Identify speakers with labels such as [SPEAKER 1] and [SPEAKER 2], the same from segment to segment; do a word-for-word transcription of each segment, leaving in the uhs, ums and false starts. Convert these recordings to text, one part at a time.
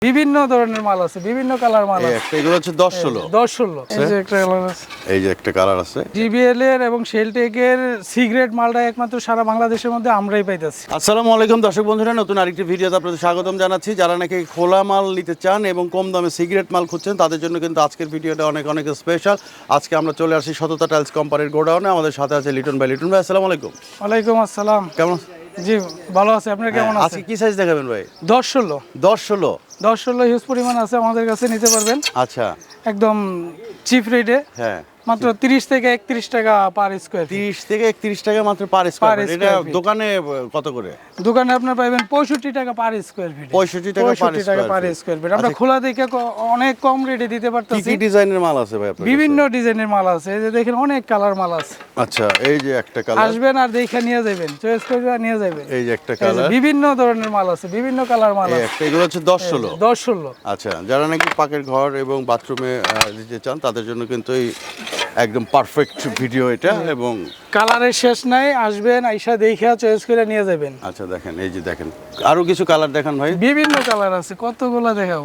[SPEAKER 1] বিভিন্ন ধরনের মাল আছে, বিভিন্ন কালার মাল আছে।
[SPEAKER 2] একটা এগুলো হচ্ছে দশ ষোলো
[SPEAKER 1] দশ ষোলো এই যে একটা কালার আছে,
[SPEAKER 2] এই যে একটা কালার আছে।
[SPEAKER 1] জিবিএল এর এবং শেলটেক এর সিগারেট মালটা একমাত্র সারা বাংলাদেশের মধ্যে আমরাই পাইতেছি।
[SPEAKER 2] আসসালামু আলাইকুম দর্শক বন্ধুরা, নতুন আরেকটি ভিডিওতে আপনাদের স্বাগতম জানাচ্ছি। যারা নাকি খোলা মাল নিতে চান এবং কম দামে সিগারেট মাল খুঁজছেন তাদের জন্য কিন্তু আজকের ভিডিওটা অনেক অনেক স্পেশাল। আজকে আমরা চলে আসি সততা টাইলস কোম্পানির গোডাউনে। আমাদের সাথে আছে লিটন ভাই। লিটন ভাই আসসালামু আলাইকুম।
[SPEAKER 1] ওয়ালাইকুম আসসালাম।
[SPEAKER 2] কেমন?
[SPEAKER 1] জি ভালো আছে, আপনারা কেমন আছেন?
[SPEAKER 2] আজকে কি সাইজ দেখাবেন ভাই?
[SPEAKER 1] দশ ষোলো
[SPEAKER 2] দশ ষোলো
[SPEAKER 1] দশ ষোলো হিউজ পরিমাণ আছে, আমাদের কাছে নিতে পারবেন
[SPEAKER 2] আচ্ছা
[SPEAKER 1] একদম চিপ রেটে,
[SPEAKER 2] হ্যাঁ
[SPEAKER 1] মাত্র তিরিশ থেকে একত্রিশ টাকা পার স্কোয়ার।
[SPEAKER 2] তিরিশ থেকে একত্রিশ টাকা মাত্র পার স্কোয়ার ফিট। এটা দোকানে কত করে?
[SPEAKER 1] দোকানে আপনার পাবেন পঁয়ষট্টি টাকা পার স্কোয়ার ফিট।
[SPEAKER 2] পঁয়ষট্টি টাকা
[SPEAKER 1] পার স্কোয়ার ফিট। আমরা খোলা দেখে ক- অনেক কম রেটে দিতে
[SPEAKER 2] কি
[SPEAKER 1] পারতেছি।
[SPEAKER 2] কি ডিজাইনের মাল আছে ভাই আপনার?
[SPEAKER 1] বিভিন্ন ডিজাইনের মাল আছে, এই যে দেখেন অনেক কালার মাল আছে।
[SPEAKER 2] আচ্ছা এই যে একটা কালার,
[SPEAKER 1] আসবেন আর দেখে নিয়ে যাবেন, চয়েস করে নিয়ে যাবেন।
[SPEAKER 2] এই যে একটা
[SPEAKER 1] এই যে
[SPEAKER 2] কালার,
[SPEAKER 1] বিভিন্ন ধরনের মাল আছে, বিভিন্ন কালার মাল
[SPEAKER 2] এই
[SPEAKER 1] আছে।
[SPEAKER 2] একটা। এগুলো হচ্ছে দশ ষোলো
[SPEAKER 1] দশ ষোলো
[SPEAKER 2] আচ্ছা, যারা নাকি পাকের ঘর এবং বাথরুমে দিতে চান তাদের জন্য কিন্তু এই একদম পারফেক্ট ভিডিও এটা। এবং
[SPEAKER 1] কালারের শেষ নাই, আসবেন আইসা দেখে চয়েস করে নিয়ে যাবেন।
[SPEAKER 2] আচ্ছা দেখেন, এই যে দেখেন আরো কিছু কালার দেখান ভাই।
[SPEAKER 1] বিভিন্ন কালার আছে, কতগুলা দেখাবো।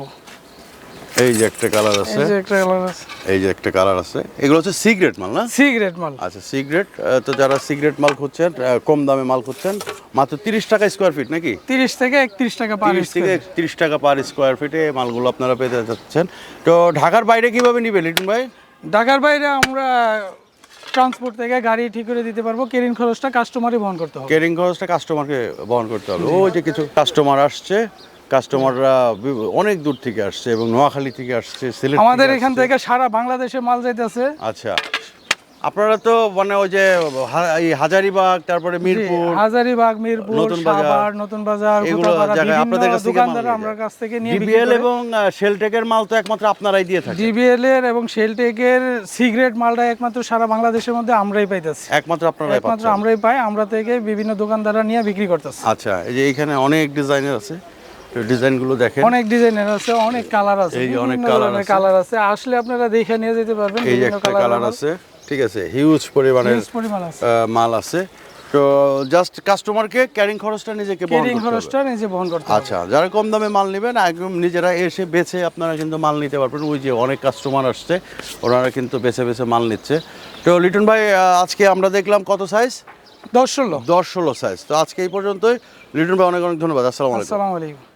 [SPEAKER 2] এই যে একটা কালার আছে,
[SPEAKER 1] এই যে একটা কালার আছে,
[SPEAKER 2] এই যে একটা কালার আছে। এগুলো হচ্ছে সিগারেট মাল না?
[SPEAKER 1] সিগারেট মাল।
[SPEAKER 2] আচ্ছা সিগারেট। তো যারা সিগারেট মাল খুঁজছেন, আহ, কম দামে মাল খুঁজছেন, মাত্র তিরিশ টাকা স্কোয়ার ফিট নাকি?
[SPEAKER 1] তিরিশ থেকে একত্রিশ টাকা পার
[SPEAKER 2] তিরিশ থেকে
[SPEAKER 1] স্কোয়ার।
[SPEAKER 2] একত্রিশ টাকা পার স্কোয়ার ফিটে মালগুলো আপনারা পেতে যাচ্ছেন। তো ঢাকার বাইরে কিভাবে নিবে লিটন ভাই?
[SPEAKER 1] ঢাকার বাইরে আমরা ট্রান্সপোর্ট থেকে গাড়ি ঠিক করে দিতে পারবো, কেরিং খরচটা কাস্টমারই বহন করতে হবে।
[SPEAKER 2] কেরিং খরচটা কাস্টমারকে বহন করতে হবে। ওই যে কিছু কাস্টমার আসছে, কাস্টমাররা বি- অনেক দূর থেকে আসছে এবং নোয়াখালী থেকে আসছে, সিলেট
[SPEAKER 1] আমাদের
[SPEAKER 2] থেকে
[SPEAKER 1] এখান
[SPEAKER 2] আসছে।
[SPEAKER 1] থেকে সারা বাংলাদেশে মাল যাইতেছে।
[SPEAKER 2] আচ্ছা, আপনারা তো মানে ওই যে হা- এই হাজারীবাগ, তারপরে মিরপুর,
[SPEAKER 1] হাজারীবাগ, মিরপুর,
[SPEAKER 2] নতুন বাজার,
[SPEAKER 1] সাভার, নতুন বাজার,
[SPEAKER 2] এগুলো
[SPEAKER 1] গোতাপাড়া,
[SPEAKER 2] জায়গায় আপনাদের
[SPEAKER 1] বিভিন্ন
[SPEAKER 2] কাছ থেকে
[SPEAKER 1] দোকানদার
[SPEAKER 2] মাল
[SPEAKER 1] আমরা
[SPEAKER 2] নিয়ে
[SPEAKER 1] কাছ থেকে নিয়ে বিক্রি
[SPEAKER 2] জিবিএল
[SPEAKER 1] করে।
[SPEAKER 2] এবং শেলটেকের মাল তো একমাত্র আপনারাই দিয়ে থাকেন।
[SPEAKER 1] জিবিএল এর এবং শেলটেক এর সিগারেট মালটা একমাত্র সারা বাংলাদেশের মধ্যে আমরাই পাইতেছি।
[SPEAKER 2] একমাত্র আপনারাই
[SPEAKER 1] একমাত্র
[SPEAKER 2] পাচ্ছেন।
[SPEAKER 1] আমরাই পাই, আমরা থেকে বিভিন্ন দোকানদাররা নিয়ে বিক্রি করতেছে।
[SPEAKER 2] আচ্ছা, এই যে এখানে অনেক ডিজাইনের আছে, ডিজাইনগুলো দেখেন।
[SPEAKER 1] অনেক ডিজাইনের আছে, অনেক কালার আছে,
[SPEAKER 2] এই যে অনেক
[SPEAKER 1] বিভিন্ন
[SPEAKER 2] কালার
[SPEAKER 1] ধরনের
[SPEAKER 2] আছে।
[SPEAKER 1] কালার আছে, আসলে আপনারা দেখে নিয়ে যেতে পারবেন।
[SPEAKER 2] এই যে
[SPEAKER 1] বিভিন্ন
[SPEAKER 2] একটা কালার
[SPEAKER 1] মাল,
[SPEAKER 2] আছে, ঠিক আছে, হিউজ পরিমাণের
[SPEAKER 1] huge পরিমাণ আছে।
[SPEAKER 2] আহ, মাল আছে। তো জাস্ট কাস্টমারকে ক্যারিং খরচটা নিজেকে বহন
[SPEAKER 1] কেরিং
[SPEAKER 2] করতে হবে।
[SPEAKER 1] খরচটা নিজে বহন করতে হবে।
[SPEAKER 2] আচ্ছা, যারা কম দামে মাল নেবেন একদম নিজেরা এসে বেছে আপনারা কিন্তু মাল নিতে পারবেন। ওই যে অনেক কাস্টমার আসছে, ওনারা কিন্তু বেছে বেছে মাল নিচ্ছে। তো লিটন ভাই, আহ, আজকে আমরা দেখলাম কত সাইজ?
[SPEAKER 1] দশ ষোলো
[SPEAKER 2] দশ ষোলো সাইজ। তো আজকে এই পর্যন্তই। লিটন ভাই অনেক অনেক ধন্যবাদ। আসসালামু আলাইকুম।
[SPEAKER 1] আসসালামু আলাইকুম।